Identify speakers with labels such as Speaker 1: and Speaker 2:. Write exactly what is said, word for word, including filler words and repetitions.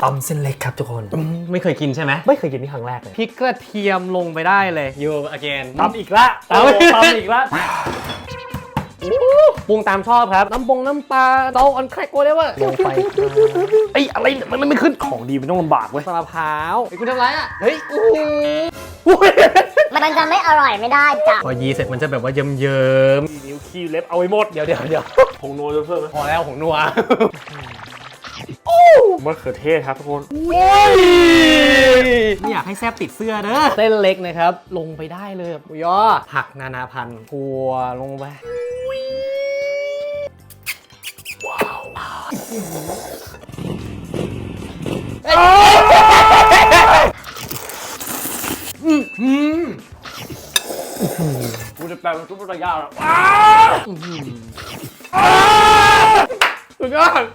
Speaker 1: ตำเส้นเล็กครับทุกคน
Speaker 2: ไม่เคยกินใช่ไหม
Speaker 1: ไม่เคยกินนี่ครั้งแรกเลย
Speaker 2: พริกกระเทียมลงไปได้เลยยูอเกน
Speaker 1: ตำอีกละตำตำอีกละ
Speaker 2: ปรุงตามชอบครับน้ำปงน้ำปลาเตาออนแครกโกเลเวอร์
Speaker 1: ลงไปไอ้อะไรมันไม่ขึ้นของดีมันต้องลำบากเว้ย
Speaker 2: มะพร้าวไอ้คุณทำไรอ่ะเฮ้ย
Speaker 3: มันจะไม่อร่อยไม่ได้จ้ะ
Speaker 2: พอยีเสร็จมันจะแบบว่าเยิ้มเยิ้ม
Speaker 1: นิ้วขี้เล็บเอาไว้หมด
Speaker 2: เดี๋ยวเดี๋ยวเดี๋ยว
Speaker 1: ผงนัวจะเพิ่มไหม
Speaker 2: พอแล้วของนัว
Speaker 1: มะเขือเทศครับทุกคน
Speaker 2: ไม่อยากให้แซบติดเสื้อเด้อเส้นเล็กนะครับลงไปได้เลยหมูยอผักนานาพันธุ์ถั่วลงไป
Speaker 1: กูจะแปลเป็นซุปเปอร์ยาแล้ว
Speaker 2: สุดยอด